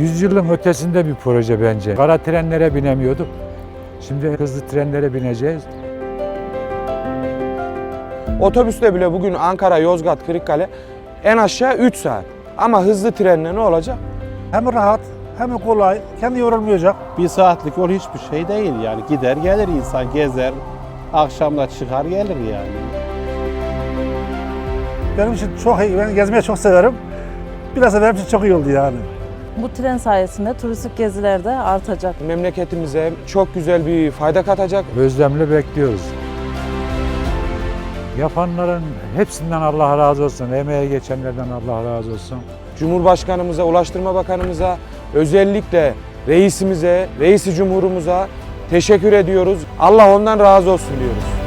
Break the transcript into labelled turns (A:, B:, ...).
A: 100 yılın ötesinde bir proje bence. Kara trenlere binemiyorduk. Şimdi hızlı trenlere bineceğiz.
B: Otobüsle bile bugün Ankara, Yozgat, Kırıkkale en aşağı 3 saat. Ama hızlı trenle ne olacak?
C: Hem rahat hem kolay, kendi yorulmayacak.
D: Bir saatlik yol hiçbir şey değil yani. Gider gelir insan, gezer, akşamda çıkar gelir yani.
C: Benim için çok iyi, ben gezmeyi çok severim. Biraz da benim için çok iyi oldu yani.
E: Bu tren sayesinde turistik geziler de artacak.
B: Memleketimize çok güzel bir fayda katacak.
A: Özlemle bekliyoruz. Yapanların hepsinden Allah razı olsun. Emeğe geçenlerden Allah razı olsun.
B: Cumhurbaşkanımıza, Ulaştırma Bakanımıza, özellikle reisimize, reisi cumhurumuza teşekkür ediyoruz. Allah ondan razı olsun diyoruz.